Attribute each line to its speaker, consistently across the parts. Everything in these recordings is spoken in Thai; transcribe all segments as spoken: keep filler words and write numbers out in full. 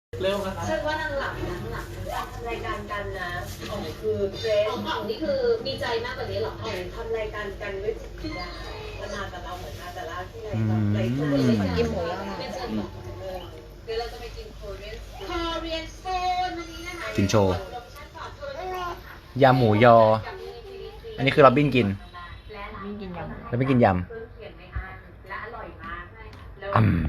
Speaker 1: เริ่มแล้วครับ
Speaker 2: ฉันว่านางหลับนางหลับทำรายการกันนะอ๋องคือเกรซอ๋องนี่คือมีใจมากกว่านี้หรออ๋องทำรายการกันด้วยจิตวิญญาณมันมาแต่เราเหมือนมาแต่ละที่ไรไรตัวเลยกินหมูย่างไม่เจอหรอกเดี๋ยวเราจะไปกินโคเรียนโคเรียนโซนวันนี้นะคะ
Speaker 3: กินโชว์ยำหมูยอ อันนี้คือเราบิ้นกิน
Speaker 4: ไม่กินยำ
Speaker 3: แล้วไม่กินยำอืม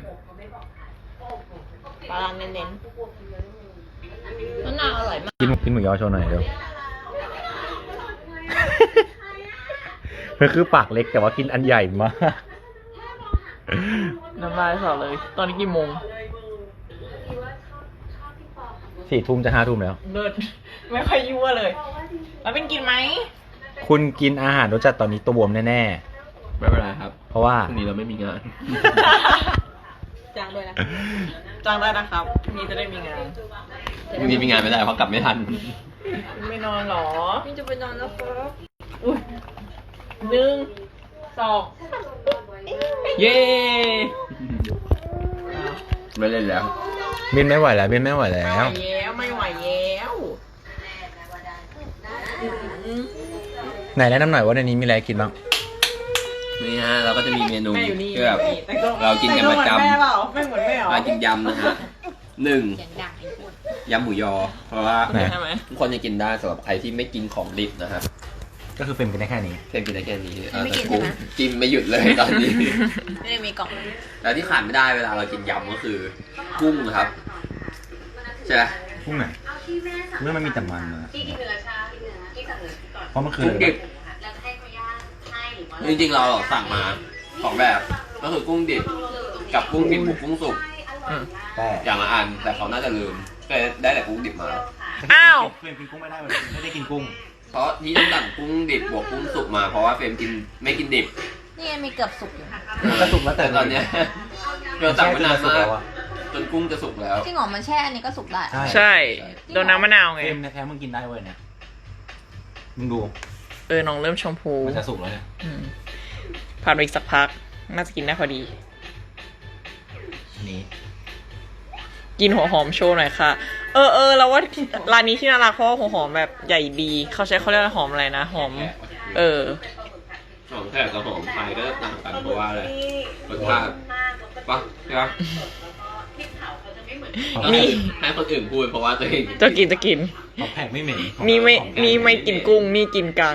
Speaker 4: ปลาร้าเน้นๆมันน่าอร่อยมาก
Speaker 3: กินกินหมูยอโชว์หน่อยเร็ว มันคือปากเล็กแต่ว่ากินอันใหญ่มาก
Speaker 4: น้ำลายสอเลย ตอนนี้กี่โมง
Speaker 3: สี่ทุ่มจะห้าทุ่มแล้ว
Speaker 4: เลิศไม่ค่อยยั่วเลยแล้วเป็นกินไหม
Speaker 3: คุณกินอาหารรสจัดตอนนี้ตัวบวมแน่
Speaker 1: ไม่เป็นไรครับ
Speaker 3: ๆ เพราะว่า
Speaker 1: พรุ่งนี้เราไม่มีงาน
Speaker 4: จ้างด้วยนะจ้างได้นะครับพรุ่งนี้จะได้มีงาน
Speaker 1: พรุ่งนี้มีงานไม่ได้เพราะกลับไม่ทัน
Speaker 4: ไม่นอนหรอพี่จะไปนอนแล้วครับอุ้ยหนึ่งสอง
Speaker 1: เย้ไม่เล่นแล้ว
Speaker 3: บินไม่ไหวแล้วบินไม่ไหวแล้
Speaker 4: ไม่ไหว
Speaker 3: ว
Speaker 4: แล้วไม่ไหวแล้วอืม
Speaker 3: ไหนแนะนำหน่อยว่าในนี้มีอะไรกินบ้าง
Speaker 1: นี่ฮะเราก็จะมีเมนู
Speaker 4: แม่อยู่นี่
Speaker 1: ที่แบบ
Speaker 4: แต่ก็
Speaker 1: เรากินกันประจำ
Speaker 4: แต่ก็เหมือนแม่เปล่าไม่เหมือนแม่เหรอ
Speaker 1: เรากินยำนะฮะหนึ่งยำหมูยอ เพราะว่า
Speaker 3: ไหน
Speaker 4: ใช่ไหม
Speaker 1: ทุกคนจะกินได้สำหรับใครที่ไม่กินของดิบนะครับ
Speaker 3: ก็คือเฟรมกินได้แค่นี้
Speaker 1: เพียงกินได้แค่นี้เออ
Speaker 4: ไม่กิน
Speaker 1: แต่กู
Speaker 4: ใช่ไหม
Speaker 1: กินไม่หยุดเลยตอนนี้
Speaker 4: ไม่ได้มีกล่อง
Speaker 1: แล้วที่ขาดไม่ได้เวลาเรากินยำก็คือ กุ้งนะครับใช่ไหม
Speaker 3: กุ้งไหนเมื่อมันมีแต่มันนะ
Speaker 2: ที่กินเนื้อชาที่เนื้อที่สั่งเนื้อก่อน
Speaker 3: เพราะมันคือ
Speaker 1: กุ้งดิบ
Speaker 2: แล้วจะให้เขาย่างให้หรือว่า
Speaker 1: จริงๆเราสั่งมาสองแบบก็คือกุ้งดิบกับกุ้งดิบบุกกุ้งสุก
Speaker 3: แต่
Speaker 1: อย่างละอันแต่เขาน่าจะลืมก็เลยได้แต่กุ้งดิบมา
Speaker 4: อ้าว
Speaker 3: เฟรมกินกุ้งไม่ได้เลยไม่ได้กินกุ้ง
Speaker 1: เพราะที่ต้องสั่งกุ้งดิบบวกกุ้งสุกมาเพราะว่าเฟรมกินไม่กินดิบ
Speaker 4: นี่ไงมีเกือบสุกอยู่
Speaker 3: ก็สุกแล้วแต่
Speaker 1: แต่ตอนเนี้ยเราสั่งมานาน
Speaker 3: สุก
Speaker 1: มา
Speaker 3: แล้
Speaker 1: ก
Speaker 3: วอะ
Speaker 1: จนกุ้งจะสุกแล้ว
Speaker 5: จริงเหรอมันแช่อันนี้ก็สุกได้
Speaker 3: ใช่
Speaker 4: ใช่โดนน้ำมะนาวไง
Speaker 3: เฟรมแท้ๆมึงกินได้เว้ยเนี่ยมึงดู
Speaker 4: เออน้องเริ่มชมพู
Speaker 3: มันจะสุกแล้วเนี่ย
Speaker 4: อืมผ่านไปอีกสักพัก น่าจะกินได้พอดี
Speaker 3: อันนี้
Speaker 4: กินหัวหอมโชว์หน่อยค่ะ เออเออเราว่าร้านนี้ที่น่ารักเพราะว่าหัวหอมแบบใหญ่ดี เขาใช้เขาเรียกว่าหอมอะไรนะ หอม เออ
Speaker 1: หอมแขกกับหอมไทยก็ต่างกันเพราะว่าอะไรรสชาติปะใช่ปะ
Speaker 2: พริกเผาเขาจะไม่เหมือน
Speaker 4: มี
Speaker 1: ให้คนอื่นพูดเพราะว่าตัวเอง
Speaker 4: จะกินจะกิน
Speaker 3: หอมแผกไม่เหม็น
Speaker 4: นี่ไม่นี่ไม่กินกุ้ง นี่กินกัง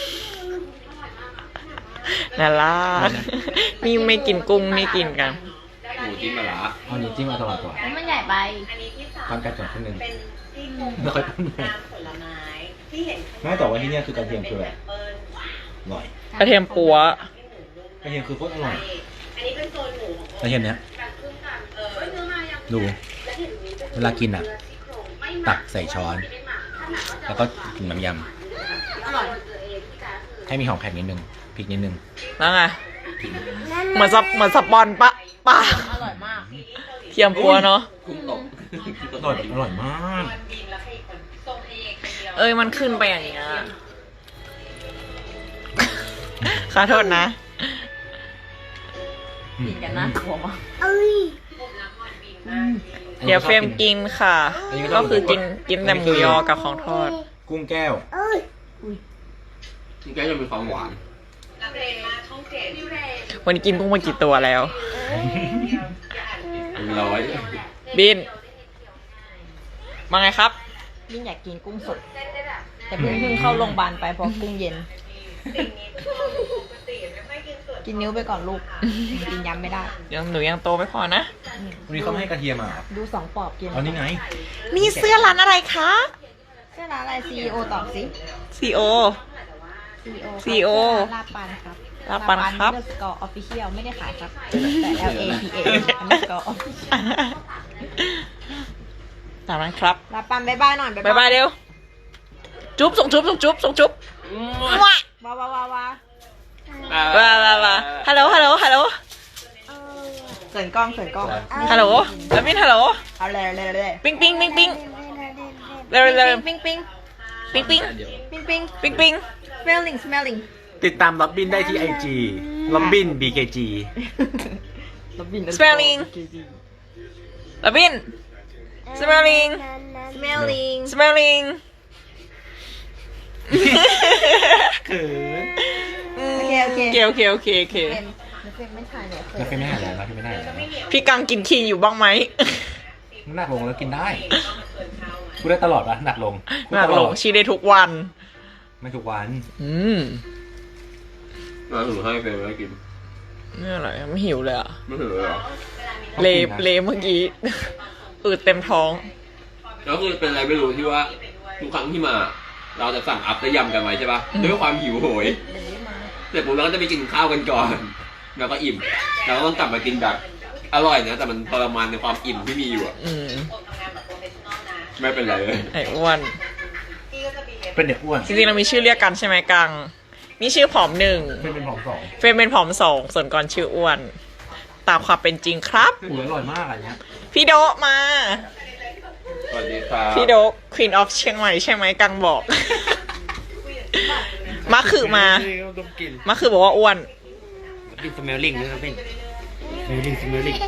Speaker 4: น่ารักนี่ไม่กินกุ้ง นี่กินกัง
Speaker 1: หมูจิ้มมะระ
Speaker 3: เอานี้จิ้มมาตลอดก่อน
Speaker 5: แล้วมันใหญ่ไป
Speaker 2: อันนี้ที่สาม
Speaker 3: ทำกระจกขึ้นหนึ่ง
Speaker 2: เป็นซี่โครง
Speaker 3: ไม่ค่อยต้นไม้
Speaker 2: น้ำผลไม้ที่เห็น
Speaker 3: ไม่แต่ว่าที่เนี่ยคือกระเทียมคือแบบ
Speaker 2: เปิ้ล
Speaker 3: อร่อย
Speaker 4: กระเทียมปัว
Speaker 3: กระเทียมคือโคตรอร่อย
Speaker 2: อันนี้เป็นโซนหมูของ
Speaker 3: กระเทียมเนี้ย
Speaker 2: การครึ่งกลางเออเนื้อมายัง
Speaker 3: ดู
Speaker 2: และเห็นนี้เป็น
Speaker 3: เวลากินอ่ะ
Speaker 2: ซี่โครงไม่หมั
Speaker 3: ตักใส่ช้อน
Speaker 2: ไม่หมักถ้าหมักก็จะ
Speaker 3: แล้วก็กินน้ำย
Speaker 2: อร่อยตัวเองที่จะคือ
Speaker 3: ำให้มีหอมแขกนิดนึงพริกนิดนึง
Speaker 4: แล้วไง เหมือนสปเหมือนสปอนปะปะ
Speaker 5: อร่อยมาก
Speaker 4: เทียมปัวเนาะ
Speaker 1: กุ้งตก
Speaker 3: อร่อยอร่อยมาก
Speaker 2: มันบินแล้วให้คนส่งเองคนเดียว
Speaker 4: เอ้ยมันขึ้นไปอย่างเงี้ยขอโทษนะ
Speaker 5: กินกันน่ากลัวมาก
Speaker 4: เดี๋ยวเฟรมกินค่ะ ก็คือกินกินแต่หมูยอกับของทอด
Speaker 3: กุ้งแก้ว
Speaker 1: นี่ก็จะมีความหวาน
Speaker 2: นักเรียนมาช่องเจ็ดพี่เรน
Speaker 4: วันนี้กินกุ้งมากี่ตัวแล้ว
Speaker 1: เป็นร้อย
Speaker 4: บินมาไงครับ
Speaker 5: ยิ่งอยากกินกุ้งสด แต่เพิ่งเพิ่งเข้าโรงพยาบาลไปเพราะกุ้งเย็น
Speaker 2: สิ่งนี้ปกติไม่ค่อยกินส่วน
Speaker 5: กินนิ้วไปก่อนลูก กินย้ำไม่ได้
Speaker 4: ยังหนูยังโตไม่พอนะ
Speaker 3: วันนี้เขาไม่ให้กระเทียมอ่ะ
Speaker 5: ดูสองปอบกิน
Speaker 3: เอานี่ไง
Speaker 4: นี่เสื้อร้านอะไรคะ
Speaker 5: เสื้อร้านอะไร ซี อี โอ ตอบสิ
Speaker 4: ซีโอ
Speaker 5: ซี อี โอ
Speaker 4: ซี อี โอ
Speaker 5: ลาบปันครับ
Speaker 4: ลาบปันครับ
Speaker 5: เดอร์สกอร์ออฟฟิเชียลไม่ได้ขายครับ แต่ L A P A อันนี้ก็ออฟฟิเชียล
Speaker 4: ตามนั้นครับ
Speaker 5: ลาบปันบายบายหน่อย
Speaker 4: บายบายเร็ว จุ๊บส่งจุ๊บส่งจุ๊บส่งจุ๊บว้า
Speaker 5: ว้าวว้าวว้าวว้า
Speaker 4: ว้าว้าว้าฮัลโหลฮัลโหลฮัลโหล
Speaker 5: เสรินกล้องเสรินกล้อง
Speaker 4: ฮัลโหลแล้วบินฮัลโหล
Speaker 5: เอาเลยเลยเลย
Speaker 4: ปิ๊งปิ๊งปิ๊งปิ๊งเร็วเร็ว
Speaker 5: ปิ๊งปิ๊ง
Speaker 4: ปิ๊งปิ๊ง
Speaker 1: เดี๋ยว
Speaker 5: ปิ๊งปิ๊ง
Speaker 4: ปิ๊งปิ๊ง
Speaker 5: smelling smelling
Speaker 3: ติดตามล็อบบินได้ที่ไอจีล็อบบิน บี เค จี
Speaker 5: ลบิน
Speaker 4: spelling แล้วบิน smelling
Speaker 5: smelling
Speaker 4: smelling
Speaker 3: เขิน
Speaker 5: โอเคโอเค
Speaker 4: โอเคโอเคโอเคโอเค
Speaker 5: เป็นเป็นไม่ถ่ายเลย
Speaker 3: แล้วเป็นไม่หายแล้วแล้วเป็นไม่หายแล้ว
Speaker 4: พี่กังกินคีนอยู่บ้างไหม
Speaker 3: หนักลงแล้วกินได้พูดได้ตลอดปะหนักลงพูด
Speaker 4: หนัก
Speaker 3: ต
Speaker 4: ล
Speaker 3: อง ด
Speaker 4: ชีได้ทุกวัน
Speaker 3: ไม่ทุกวัน
Speaker 4: อืม
Speaker 1: มาถึงให้เป็นไม่กิน
Speaker 4: นี่อะไรไม่หิวเลยอ่ะ
Speaker 1: ไม่ถึงเลยเหรอ
Speaker 4: เลเลเมื่อกี้ อืดเต็มท้อง
Speaker 1: แล้วคือเป็นอะไรไม่รู้ที่ว่าทุกครั้งที่มา เราจะสั่งอัพและยำกันไว้ใช่ป่ะด้วยความหิวโหยเสร็จปุ๊บเราก็จะไปกินข้าวกันก่อน แล้วก็อิ่มแล้วก็ต้องกลับมากินแบบอร่อยนะแต่มันทรมานในความอิ่มที่มีอยู่อะ
Speaker 4: อืม
Speaker 1: ไม่เป็นไรเลย
Speaker 4: ไอ้อ้วน
Speaker 3: เป็นเด็กอ้วน
Speaker 4: จริงๆเรามีชื่อเรียกกันใช่ไหมกัง นี่ชื่อผอมหนึ่ง
Speaker 3: เป็นเป็นผอมสอง
Speaker 4: เฟรมเป็นผอมสองส่วนก่อนชื่ออ้วน ตามความเป็นจริงครับ
Speaker 3: อุ้ยอร่อยมากอันเนี้ย
Speaker 4: พี่โดะมา
Speaker 1: สวัสดีครับ
Speaker 4: พี่โดะ Queen of เชียงใหม่ใช่ไหมกังบอก มาคือมา
Speaker 3: ต้องกิน
Speaker 4: มาคือบอกว่าอ้วน
Speaker 3: กินสเมลลิงด้วยนะเป็นสเมลลิงสเมลลิง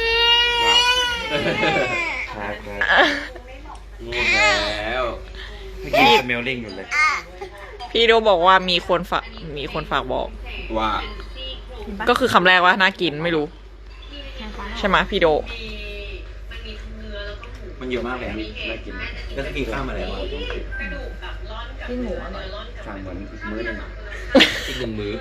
Speaker 3: ครับครับ
Speaker 1: ง่วงแล้ว
Speaker 3: ไม่กินสเมลลิงอยู่เลย
Speaker 4: พี่โดะบอกว่ามีคนฝากมีคนฝากบอก
Speaker 1: ว่า
Speaker 4: ก็คือคำแรกว่าน่ากินไม่รู้ ใช่ไหมพี่โดะ
Speaker 3: มันเยอะมากเลยอะน่ากินแล้วถ้ากินข้าวมาแล้วอะ
Speaker 5: กินหมูอร่อย
Speaker 3: สั่งเหมือนมื้อหนึงอะ
Speaker 1: อีกหนึ่งมื้อ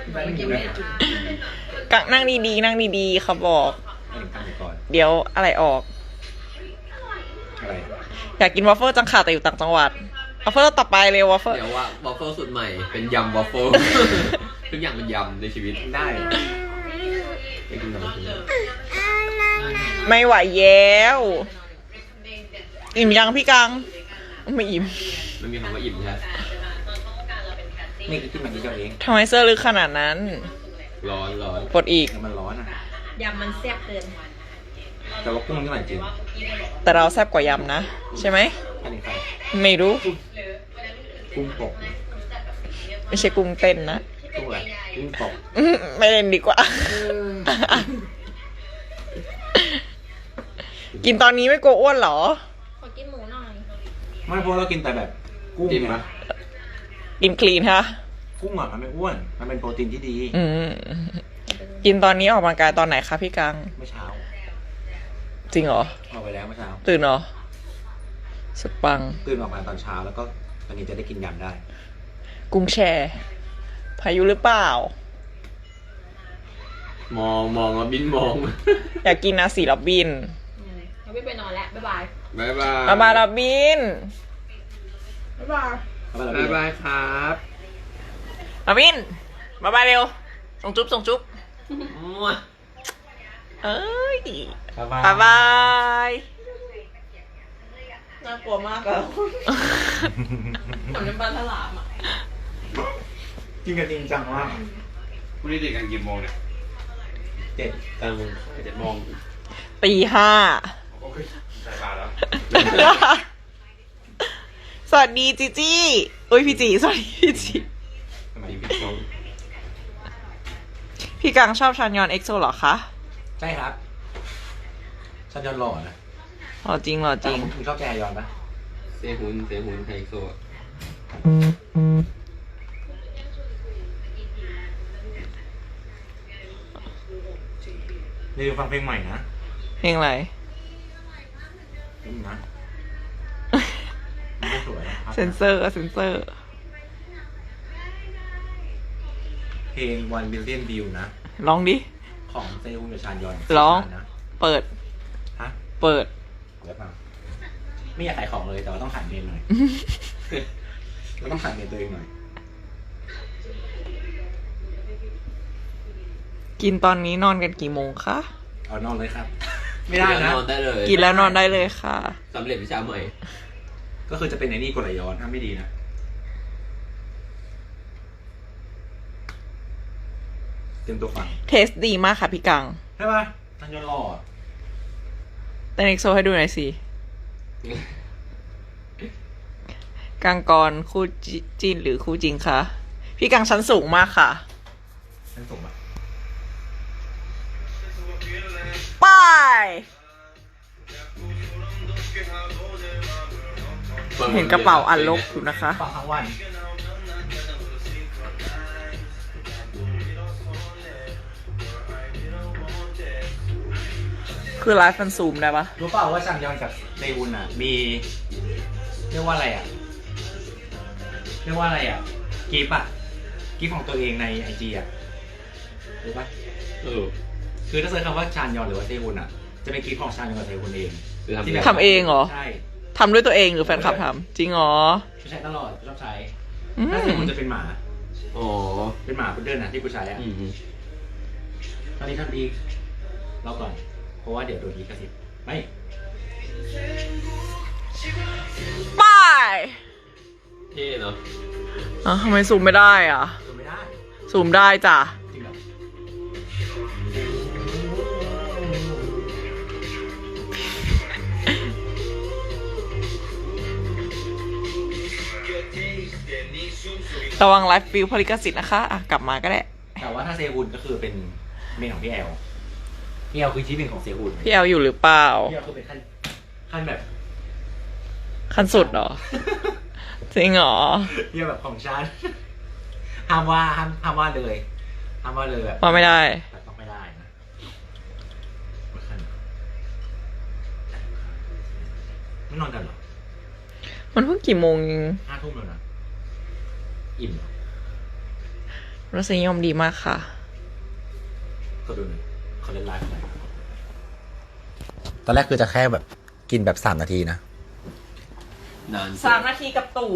Speaker 4: กังนั่งดีๆนั่งดีๆเขาบอก
Speaker 3: ให้ถึงตั้งก่อน
Speaker 4: เดี๋ยวอะไรออก
Speaker 3: อะไร
Speaker 4: อยากกินวอฟเฟิลจังค่ะแต่อยู่ต่างจังหวัดวอฟเฟิลต่อไปเลยวอฟเฟิล
Speaker 1: เดี๋ยวว่าวอฟเฟิลสูตรใหม่เป็นยำวอฟเฟิล ทุกอย่างเป็นยำในชีวิต
Speaker 3: ได้
Speaker 1: ไปกินกันกิน
Speaker 4: ไม่ไหวแล้วอิ่มยังพี่กังไม่อิ่ม
Speaker 1: ไม่มีคำว่าอิ่มใช่ไหม
Speaker 3: นี่คือที่มันกินเจ้าเอง
Speaker 4: ทำไมเสื้อลึกขนาดนั้น
Speaker 1: ร้อนร้อน
Speaker 4: ปวดอีก
Speaker 3: แต่มันร้อนอ่ะ
Speaker 5: ยำมันแซ่บเกิน
Speaker 3: แต่ว่ากุ้งมันก็อร่อยจริง
Speaker 4: แต่เราแซ่บกว่ายำนะ ใช่ไหม
Speaker 3: อันนี้ใคร
Speaker 4: ไม่รู้
Speaker 3: กุ้งปก
Speaker 4: ไม่ใช่กุ้งเต้นนะ
Speaker 3: กุ้งอะไรกุ้งปก
Speaker 4: อื้อไม่เล่นดีกว่า กินตอนนี้ไม่กลัวอ้วนเหรอ
Speaker 5: ขอกินหมูหน่อย
Speaker 3: ไม่เพราะเรากินแต่แบบกุ้ง
Speaker 1: อิ่ม
Speaker 3: ไง
Speaker 1: ปะ
Speaker 4: กินคลีนฮะ
Speaker 3: กุ้งอ่ะมันไม่อ้วน มันเป็นโปรตีนที่ดี
Speaker 4: อืมกินตอนนี้ออกกำลังกายตอนไหนคะพี่กัง
Speaker 3: เมื่อเช้า
Speaker 4: จริงเหรอ
Speaker 3: ออกไปแล้วเมื่อเช้า
Speaker 4: ตื่นเหรอสุดปัง
Speaker 3: ตื่นออกมาตอนเช้าแล้วก็ตอนนี้จะได้กินยำได้
Speaker 4: กุ้งแช่พายุหรือเปล่า
Speaker 1: มองมองแล้วบินมอง
Speaker 4: อยากกินนะสีล็อบบิน
Speaker 5: เราไม่ไปนอนแล้ว บ๊ายบาย
Speaker 1: บายบาย
Speaker 4: มาบายล็อบบิน
Speaker 5: บ๊ายบาย
Speaker 3: เอาไปแล้ว
Speaker 1: บายบายครับ
Speaker 4: ล็อบบินมาบายเร็ว ส่งจุ๊บส่งจุ๊บ
Speaker 1: มั่ว
Speaker 4: เอ้ย
Speaker 3: บ๊ายบาย
Speaker 4: บายบาย
Speaker 5: น่ากลัวมากแล้วเหมือนเป็นปลาฉลามอ่ะ
Speaker 3: กินกันจริงจังมาก
Speaker 1: พรุ่งนี้ติดกันกี่โมงเนี่ย
Speaker 3: เจ็ด
Speaker 1: เออเจ็ดโมง
Speaker 4: ตีห้า
Speaker 1: โอเคใส่บาทแล้ว
Speaker 4: สวัสดีจีจี้อุ้ยพี่จีสวัสดีพี่จี
Speaker 3: ทำไม
Speaker 1: พี่ชม
Speaker 4: พี่กังชอบชันยอนเอ็กโซเหรอคะ
Speaker 3: ใช่ครับฉันยอนหล่อนะ
Speaker 4: หรอจริงเหรอจริง
Speaker 3: คุณชอบแกยอนปะ
Speaker 1: เซฮุนเซฮุนไฮโซ
Speaker 3: นี่ฟังเพลงใหม่นะ
Speaker 4: เพลงอะไร
Speaker 3: นี่นะไม่สวยนะครับ
Speaker 4: เซนเซอร์เซนเซอร์
Speaker 3: เพลง one billion view นะ
Speaker 4: ร้องดิ
Speaker 3: ของเซฮุนกับชานยอน
Speaker 4: ร้อง
Speaker 3: นะ
Speaker 4: เปิด
Speaker 3: ฮะ
Speaker 4: เปิด
Speaker 3: เดี๋ยวฟังไม่อยากขายของเลยแต่ว่าต้องขายเมนหน่อย เราต้องขายเมนตัวเองหน่อย
Speaker 4: กินตอนนี้นอนกันกี่โมงคะ
Speaker 3: เอานอนเลยครับ ไม่ได้นะ
Speaker 1: นอนได้เลย
Speaker 4: กินแล้วนอนได้เลยค่ะ
Speaker 1: สำเร็จวิชาใหม่
Speaker 3: ก็คือจะเป็นไอ้นี่กดไหลย้อนถ้าไม่ดีนะ เตรียมตัวฟัง
Speaker 4: เทสดีมากค่ะพี่กัง
Speaker 3: ใช่ปะนันยอนหล่ออะ
Speaker 4: เต้นเอ็กโซให้ดูหน่อยสิ กังกรคู่จิจินหรือคู่จริงคะ พี่กังชั้นสูงมากค่ะ
Speaker 3: ฉันส่งมา
Speaker 4: ไปเห็นกระเป๋าอันลกอยู่นะคะ
Speaker 3: ฟังทั้งวัน
Speaker 4: คือไลฟ์มันซูมได้ปะ
Speaker 3: รู้เปล่าว่าชังยอนกับเซอุนอ่ะ มีเรียกว่าอะไรอ่ะ เรียกว่าอะไรอ่ะกิฟต์อ่ะกิฟต์ของตัวเองในไอจีอ่ะรู้ปะ
Speaker 1: เออ
Speaker 3: คือถ้าเซิร์ชคำว่าชานยอนหรือว่าเซอุนอ่ะ จะเป็นกิฟต์ของชานยอนกับเซอุนเอง
Speaker 1: คือทำ
Speaker 3: ที่แบบ
Speaker 4: ทำเองเหรอ
Speaker 3: ใช่
Speaker 4: ทำด้วยตัวเองหรือแฟนคลับทำจริงเหรอ
Speaker 3: ใช้ตลอดชอบใช้
Speaker 4: อืม
Speaker 3: ถ้าเซอุนจะเป็นหมา
Speaker 1: อ๋อ
Speaker 3: เป็นหมาพุดเดิ้ลนะที่กูใช้อ่ะ
Speaker 1: อืม
Speaker 3: ตอนนี้ทำดีเราก่อน เพราะว่าเดี๋ยวโดนลิขสิทธิ์ไม่
Speaker 4: ไป
Speaker 1: เท่เนาะ
Speaker 4: อ่ะทำไมซูมไม่ได้อ่ะ
Speaker 3: ดูไม่ได้
Speaker 4: ซูมได้จ้ะ
Speaker 3: จริงเหรอ
Speaker 4: ระวังไลฟ์ฟิลพลิกสิทธิ์นะคะ อ่ะ กลับมาก็ได้
Speaker 3: แต่ว่าถ้าเซอุนก็คือเป็นเมนของพี่แอลพี่แอลคือที่หนึ่งของเซอุน
Speaker 4: พี่แอลอยู่หรือเปล่า
Speaker 3: พี่แอลคือเป็นขั้นขั้นแบบ
Speaker 4: ขั้นสุดเหรอ จริงเหรอ
Speaker 3: พี่แอลแบบของฉันห้ามว่าห้ามห้ามว่าเลยห้ามว่าเลยแบบ
Speaker 4: ว่าไม่ได้
Speaker 3: แต่ต้องไม่ได้นะไม่นอนกันเหรอ
Speaker 4: มันเพิ่งกี่โมง
Speaker 3: ห้าทุ่มแล้วนะอิ่มเหรอ
Speaker 4: รสนิยมดีมากค่ะ
Speaker 3: ก็ดูหน่อยเขาเล่นไลฟ์อะไรตอนแรกคือจะแค่แบบกินแบบสามนาทีนะ
Speaker 1: นาน
Speaker 4: สามนาทีกับตู่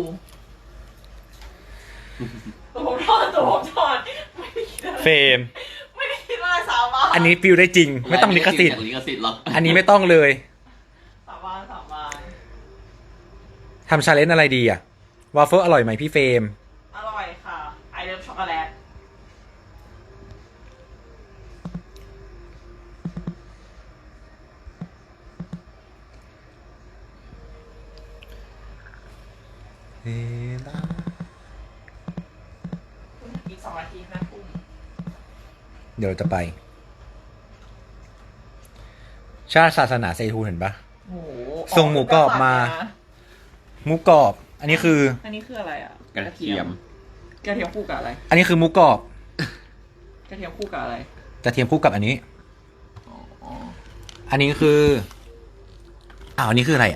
Speaker 4: ตู่ผมทอดตู่ผมทอดไม่ได้คิดอะไร
Speaker 3: เฟรม
Speaker 4: ไม่ได้คิดอะไรสาบาน
Speaker 3: อันนี้ฟิลได้จริง ไม่ต้องลิขสิทธิ์
Speaker 1: ลิขสิทธิ์หรอก
Speaker 3: อันนี้ไม่ต้องเลย
Speaker 4: สาบานสาบาน
Speaker 3: ทำชาเลนจ์อะไรดีอะวาฟเฟิลอร่อยไหมพี่เฟรม
Speaker 4: อร่อยค่ะ ไอเลิฟช็อกโกแลต อีกสองนาทีห้าทุ่ม
Speaker 3: เดี๋ยวเราจะไป ชาติศาสนาเซทูเห็นปะ
Speaker 4: โอ้โห
Speaker 3: ส่งหมูกรอบมา หมูกรอบ อันนี้คือ
Speaker 4: อันนี้คืออะไรอ่ะ
Speaker 1: กระเทียม
Speaker 4: กระเทียมคู่กับอะไร
Speaker 3: อันนี้คือหมูกรอบ
Speaker 4: กระเทียมคู่กับอะไร
Speaker 3: กระเทียมคู่กับอันนี้
Speaker 4: อ๋อ
Speaker 3: อันนี้คืออ้าวอันนี้คืออะไรอ่ะ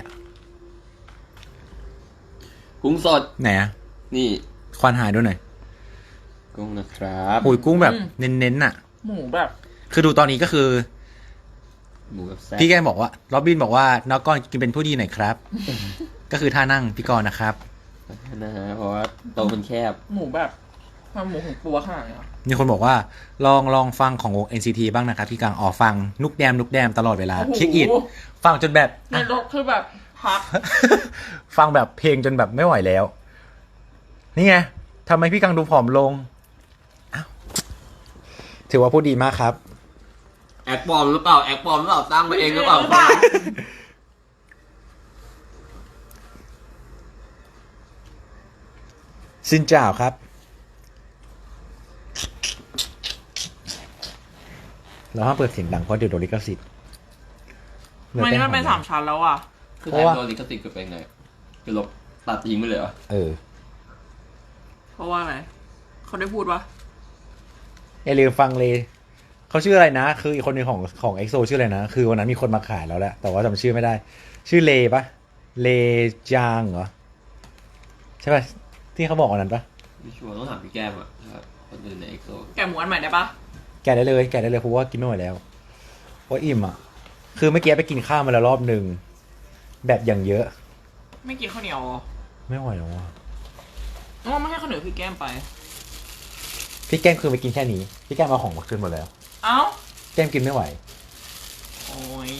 Speaker 1: กุ้งสด
Speaker 3: ไหนอ่ะ
Speaker 1: นี่
Speaker 3: ควานหายด้วยหน่อย
Speaker 1: กุ้งนะครับ
Speaker 3: โอ้ยกุ้งแบบเน้นๆน่ะ
Speaker 4: หมูแบบ
Speaker 3: คือดูตอนนี้ก็คือ
Speaker 1: หมูกับแซ่บ
Speaker 3: พี่แกบอกว่าล็อบบินบอกว่าน้องก้อนกินเป็นผู้ดีหน่อยครับ ก็คือท่านั่งพี่กรณ์นะครับ
Speaker 1: นะฮะเพราะว่าโต๊ะมันแคบ
Speaker 4: หมูแบบความหมูของตัวขนาดเนี้ย
Speaker 3: มีคนบอกว่าลองลองฟังของวง เอ็น ซี ที บ้างนะครับพี่กลางอ๋อฟังนุกแดมนุกแดมตลอดเวลาคลิกอิดฟังจนแบบ
Speaker 4: ในรถคือแบบพัก
Speaker 3: ฟังแบบเพลงจนแบบไม่ไหวแล้ว นี่ไงทำไมพี่กังดูผอมลงอ้าวถือว่าพูดดีมากครับ
Speaker 1: แอคปลอมหรือเปล่า แอคปลอมหรือเปล่าตั้งมาเองหรือเปล่า
Speaker 3: ซินจ่าวครับ เราห้ามเปิดเสียงดังเพราะเดี๋ยวโดนลิขสิทธิ์
Speaker 4: มันนี่มันเป็นสามชั้นแล้วอ่ะ
Speaker 1: คือแทนโดนลิขสิทธิ์คือเป็นไงคือลบตัดทิ้งไปเลยเหรอ
Speaker 3: เออ
Speaker 4: เพราะว่าอะไรเขาได้พูดว่า
Speaker 3: อย่าลืมฟังเลย เขาชื่ออะไรนะ คืออีกคนหนึ่งของของเอ็กโซชื่ออะไรนะ คือวันนั้นมีคนมาขายแล้วแหละ แต่ว่าจำชื่อไม่ได้ ชื่อเลปะเลจางเหรอ ใช่ปะที่เขาบอกวันนั้นปะ
Speaker 1: พี่ชัวร์ต้องถามพี่แก้มอ่ะครับคนอื่นในเอ็กโซ
Speaker 4: แกะหมูอันใหม่ได้ปะ
Speaker 3: แกะได้เลย แกะได้เลยเพราะว่ากินไม่ไหวแล้วเพราะอิ่มอ่ะ คือเมื่อกี้ไปกินข้าวมาแล้วรอบหนึ่งแบบอย่างเยอะ
Speaker 4: ไม่กินข้าวเหนียวเหรอ
Speaker 3: ไม่ไหวแล้วอ่ะ
Speaker 4: อ๋อไม่ให้ข้าวเหนียวพี่แก้มไป
Speaker 3: พี่แก้มคือไปกินแค่นี้ พี่แก้มเอาของมาคืนหมดแล้ว
Speaker 4: เอ้า
Speaker 3: แก้มกินไม่ไหว
Speaker 4: โอ้ย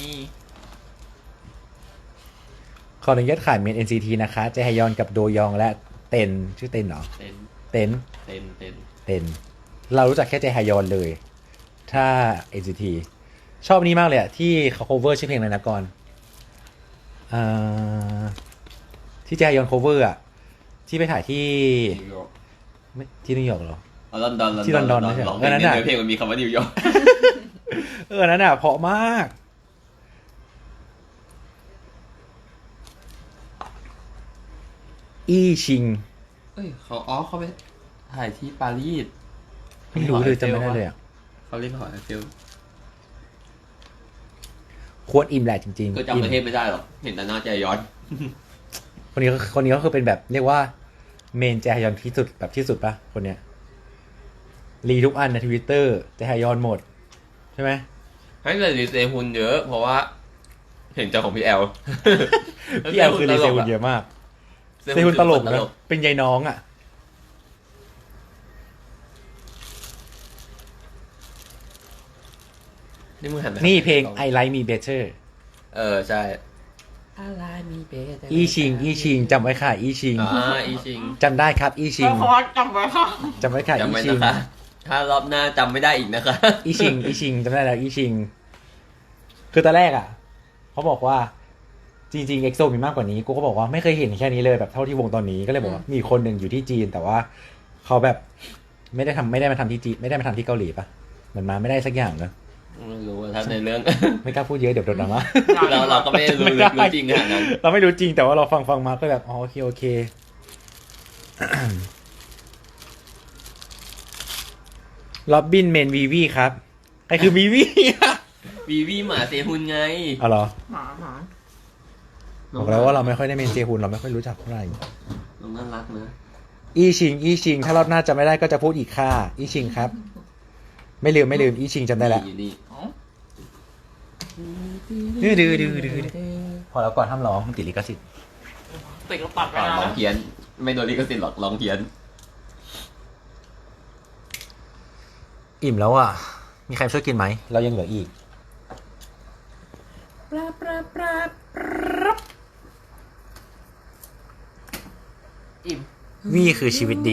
Speaker 3: ขออนุญาตขายเมน เอ็น ซี ที นะคะเจฮยอนกับโดยองและเต็นชื่อเต็นเหรอ
Speaker 1: เต้น
Speaker 3: เต็น
Speaker 1: เต้นเต้น
Speaker 3: เต็นเรารู้จักแค่เจฮยอนเลย ถ้า เอ็น ซี ที ชอบนี้มากเลยอะที่เขา cover ชื่อเพลงอะไรนะก่อนอ่าที่เจฮยอน cover อะที่ไปถ่ายที่
Speaker 1: นิวยอร์ก
Speaker 3: ไม่ที่นิวยอร์กเหรอ
Speaker 1: อ๋อลอนดอน
Speaker 3: ที่ลอนดอนไม่ใช่เหรอ
Speaker 1: ร้องเพลง
Speaker 3: เออนั่นน่ะ
Speaker 1: เนื้อเพลงมันมีคำว่านิวยอร์ก
Speaker 3: เออนั่นอะเพราะมากอี้ชิง
Speaker 1: เอ้ยเขาอ๋อเขาไปถ่ายที่ปารีส
Speaker 3: ไม่รู้เลยจำไม่ได้เลยอ่ะ
Speaker 1: เขาเรียกหอไอเฟล
Speaker 3: โควรอิ่มแหละจริงๆ
Speaker 1: ก็จำประเทศไม่ได้หรอกเห็นแต่หน้าใจย้อน
Speaker 3: คนนี้ก็คนนี้ก็คือเป็นแบบเรียกว่าเมนแจฮยอนที่สุดแบบที่สุดปะคนเนี้ยรีทุกอันในทวิตเตอร์แจฮยอนหมด ใช่ไหม
Speaker 1: ให้เลยรีเซฮุนเยอะ เพราะว่า เห็นเจ้าของพี่แอล
Speaker 3: พี่แอลคือรีเซฮุนเยอะมากเซฮุนตลกนะเป็นยายน้องอ่ะ
Speaker 1: นี่มึงหันไป
Speaker 3: นี่เพลง I Like Me Better
Speaker 1: เออใช่อะไรมีเบส
Speaker 3: อีชิงอีชิงจำไว้ค่ะ อีชิง
Speaker 1: อ่าอีชิง
Speaker 3: จำได้ครับ อีชิง
Speaker 4: เพราะว่าจำไว้ค่ะ
Speaker 3: จำไว้ค่ะ
Speaker 1: จำ
Speaker 3: อี
Speaker 1: ไว้
Speaker 3: ชิ
Speaker 1: นะ
Speaker 3: ง
Speaker 1: คะถ้ารอบหน้าจำไม่ได้อีกนะคะ
Speaker 3: อีชิงอีชิงจำได้แล้วอีชิง คือตอนแรกอ่ะเขาบอกว่าจริงๆเอ็กโซมีมากกว่านี้กูก็บอกว่าไม่เคยเห็นแค่นี้เลยแบบเท่าที่วงตอนนี้ก็เลยบอกว่ามีคนหนึ่งอยู่ที่จีน แต่ว่าเขาแบบไม่ได้ทำไม่ได้มาทำที่จีนไม่ได้มาทำที่เกาหลีปะเหมือนมาไม่ได้สักอย่างเนอะ
Speaker 1: ไม่รู้ว่าถ้าในเรื่อง
Speaker 3: ไม่กล้าพูดเยอะเดี๋ยวโดนดราม่า
Speaker 1: เราเราก็ไม่ได้รู้ลึกรู้จริงขนาดนั้น
Speaker 3: เราไม่รู้จริงแต่ว่าเราฟังฟังมาก็แบบอ๋อโอเคโอเค ล็อบบินเมนวีวีครับใครคือวีวี
Speaker 1: วีวีหมาเซฮุนไง
Speaker 3: อ๋อเหรอ
Speaker 4: หมาหมา
Speaker 3: บอกแล้วว่าเราไม่ค่อยได้เมนเจฮุนเราไม่ค่อยรู้จักเท่าไหร่
Speaker 1: น้องน่ารักนะ
Speaker 3: อีชิงอีชิงถ้ารอบหน้าจำไม่ได้ก็จะพูดอีกค่ะอีชิงครับ ไม่ลืมไม่ลืมอีชิงจำได้แล้ว
Speaker 1: อยู่นี่
Speaker 3: ดื้อดื้อดื้อดื้อพอแล้วก่อนห้ามร้องมันติดลิขสิทธิ์
Speaker 4: ติดก็ตัดไป
Speaker 1: ก่อน
Speaker 4: นะ
Speaker 1: ร้องเพี้ยน ไม่โดนลิขสิทธิ์หรอกร้องเพี้ยน
Speaker 3: อิ่มแล้วอ่ะมีใครช่วยกินไหมเรายังเหลืออีก
Speaker 4: ปลาปลาปลาปลาอิ่ม
Speaker 3: วี่คือชีวิตดี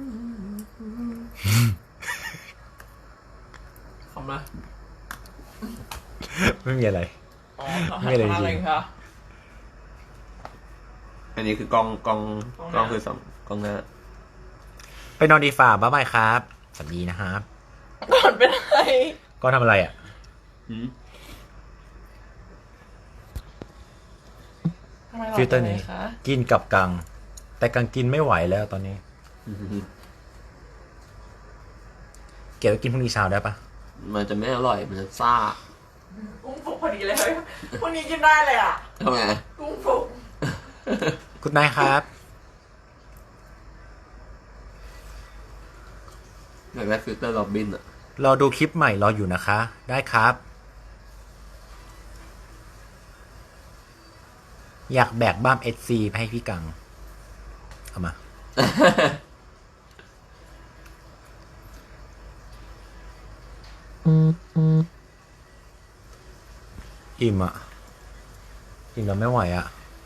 Speaker 4: ขำนะ
Speaker 3: ไม่มีอะไร
Speaker 4: อ๋อ
Speaker 3: ไม่เลยจริง
Speaker 4: อะไรคะ
Speaker 1: อันนี้คือกล้องกล้องกล้องคือสองกล้องหน้า
Speaker 3: ไปนอนดีฝ่าบ๊ายบายครับสวัสดีนะครับ
Speaker 4: ก่อนเป็นอะไร
Speaker 3: ก็ทำอะไรอ่ะ
Speaker 1: หืม
Speaker 4: ทำไมหลับ
Speaker 3: ฟิลเตอร์นี้
Speaker 4: ไปคะ
Speaker 3: กินกับกัง แต่กังกินไม่ไหวแล้วตอนนี้ เก็บไว้กินพรุ่งนี้เช้าได้ปะ
Speaker 1: มันจะไม่อร่อย มันจะซ่า
Speaker 4: กุ้งฟุกพอดีเลยเฮ้ยพรุ่งนี้กินได้เลยอ่ะ
Speaker 1: ทำไง
Speaker 4: กุ้งฟุก
Speaker 3: กุดไนท์ครับ
Speaker 1: อยากได้ฟิลเตอร์โรบินอ่ะ
Speaker 3: รอดูคลิปใหม่รออยู่นะคะ ได้ครับ อยากแบกบ้ามเอสซีไปให้พี่กัง เอามา อิ่มอ่ะ อิ่มแล้วไม่ไหวอ่ะ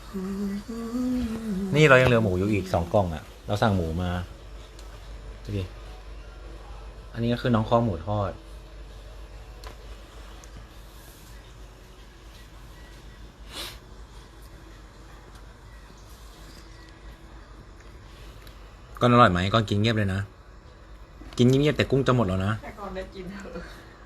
Speaker 3: นี่เรายังเหลือหมูอยู่อีกสองกล่องอ่ะ เราสั่งหมูมาดูดิ อันนี้ก็คือน้องข้อหมูทอด ก่อนอร่อยไหมก่อนกินเงียบเลยนะ กินเงียบๆแต่กุ้งจะหมดแล้วนะ
Speaker 4: แต่ก่อนได้กินเถอะ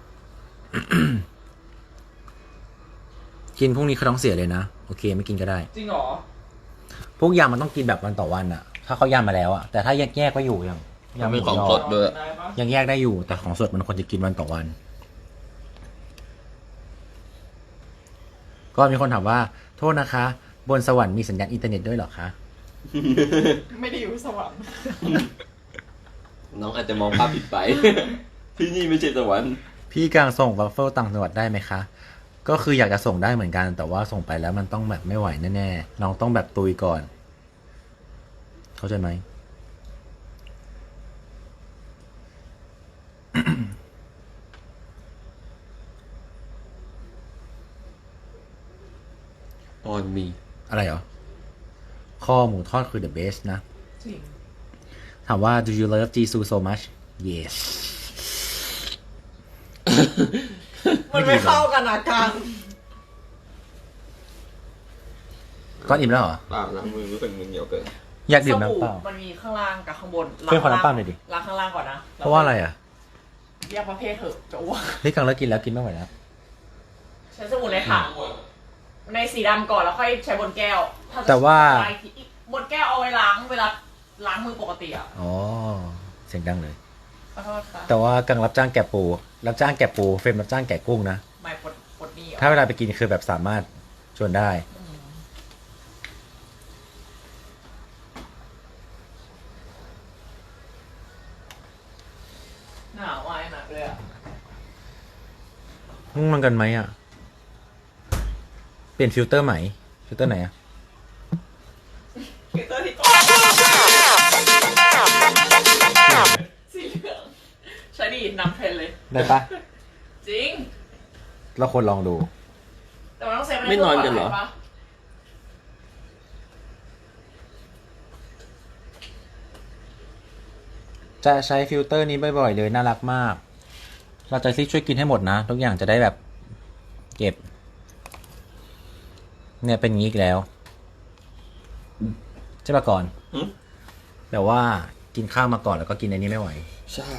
Speaker 3: กินพรุ่งนี้เขาท้องเสียเลยนะ โอเคไม่กินก็ได้
Speaker 4: จริงเหรอ
Speaker 3: พวกยำมันต้องกินแบบวันต่อวันอะถ้าเขายำมาแล้วอะแต่ถ้าแยกแยกๆก็อยู่อย่าง
Speaker 1: มันเป็นของ
Speaker 3: ยำห
Speaker 1: ส
Speaker 3: มู
Speaker 1: ดด้วย
Speaker 4: ได้ปะ
Speaker 3: ยังแยกได้อยู่ แต่ของสดมันควรจะกินวันต่อวัน ก็มีคนถามว่า โทษนะคะ บนสวรรค์มีสัญญาณอินเทอร์เน็ตด้วยเหรอคะ
Speaker 4: ไม่ได้อยู่สวรรค์
Speaker 1: น้องอาจจะมองภาพผิดไป ที่นี่ไม่ใช่สวรรค์
Speaker 3: พี่กลางส่งวัฟเฟิลต่างจังหวัดได้ไหมคะ ก็คืออยากจะส่งได้เหมือนกัน แต่ว่าส่งไปแล้วมันต้องแบบไม่ไหวแน่ๆน้องต้องแบบตุยก่อน เข้าใจไหม
Speaker 1: ออนมี
Speaker 3: อะไรเหรอ ข้อหมูทอดคือ the best นะ
Speaker 4: จริง
Speaker 3: ถามว่า do you love Jisoo so much yes
Speaker 4: มันไม่เข้ากันนะกัง
Speaker 3: ก้อนอิ่มแล้วเหรอ
Speaker 1: เปล่าล้างมือรู้สึกมือเหนียวเกิน
Speaker 3: อยากดื่มน้ำเปล่า
Speaker 4: มันมีข้างล่างกับข้างบน
Speaker 3: เพื่อนขอน้ำเปล่าหน่อยดิ
Speaker 4: ล้างข้างล่างก่อนนะ
Speaker 3: เพราะว่าอะไรอ่ะ
Speaker 4: แยกประเภทเถอะจะอ้วก
Speaker 3: นี่กังเลิกกินแล้วกินไม่ไหวแล้ว
Speaker 4: ใช้สมุนในถังในสีดำก่อนแล้วค่อยใช้บนแก้วถ้จะ
Speaker 3: แต่ว่า
Speaker 4: ใช้อีกบนแก้วเอาไว้ล้างเวลาล้างมือปกติอ่ะ
Speaker 3: อ๋อ เสียงดังเลย
Speaker 4: ขอโทษค่ะ
Speaker 3: แต่ว่ากังรับจ้างแกะปู รับจ้างแกะปู เฟรมรับจ้างแกะกุ้งนะ
Speaker 4: ไม่ปวดปวดนี่เหรอ
Speaker 3: ถ้าเวลาไปกินคือแบบสามารถชวนได้
Speaker 4: อืมหนาววายหนักเลยอ่ะ
Speaker 3: ง่วงนอนกันไหมอ่ะ เปลี่ยนฟิลเตอร์ใหม่ ฟิลเตอร์ไหนอ่ะ
Speaker 4: ฟิลเตอร์ที่ก่อนสีเหลืองใช้ดีนำเทรนเลย
Speaker 3: ได้ปะ
Speaker 4: จริง
Speaker 3: เราควรลองดู
Speaker 4: แต่มันต้องเซฟ
Speaker 1: ไม่นอนกันเหรอ
Speaker 4: ปะ
Speaker 3: จะใช้ฟิลเตอร์นี้บ่อยๆเลย น่ารักมาก เราจะซิช่วยกินให้หมดนะ ทุกอย่างจะได้แบบ เก็บ เนี่ยเป็นอย่างนี้อีกแล้ว ใช่ปะก่อน
Speaker 1: หืม
Speaker 3: แบบว่ากินข้าวมาก่อนแล้วก็กินอันนี้ไม่ไหว
Speaker 1: ใช่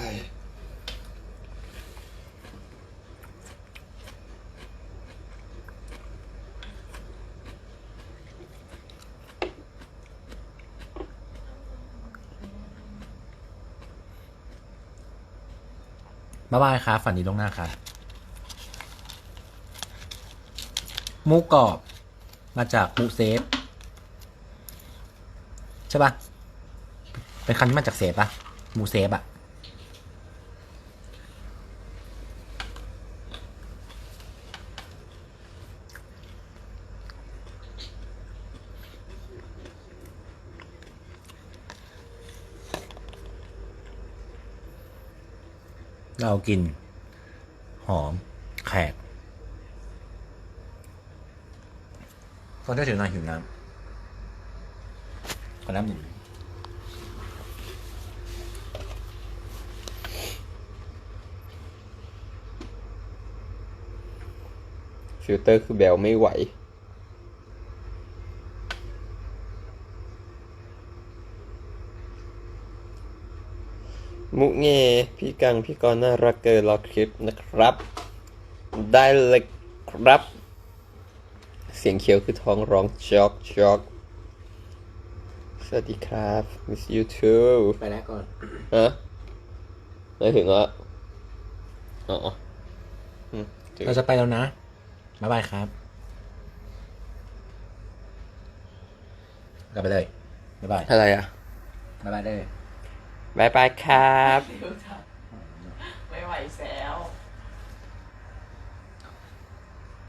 Speaker 3: บ๊ายบายครับฝันดีล่วงหน้าครับหมูกรอบมาจากหมูเซฟ ใช่ปะเป็นคำที่มาจากเซฟปะหมูเซฟอะเรากิน หอม แขกก็ได้ถึงนานหิวน้ำขอน้ำหนึ่ง
Speaker 1: ฟิลเตอร์คือแบลไม่ไหว มุเงพี่กัง พี่กรณ์น่ารักเกินรอคลิปนะครับ ได้เลยครับ เสียงเขียวคือท้องร้องช็อกช็อกสวัสดีครับ miss you too
Speaker 3: ไปแล้วก่อน
Speaker 1: ฮะไม่ถึงอ่ะอ๋ออืมถึง
Speaker 3: เราจะไปแล้วนะ บ๊ายบายครับ กลับไปเลย บ๊ายบาย
Speaker 1: อะไรอ่ะ
Speaker 3: บ๊ายบายเลย
Speaker 1: บายบายครับ
Speaker 4: ไม่ไหวแซว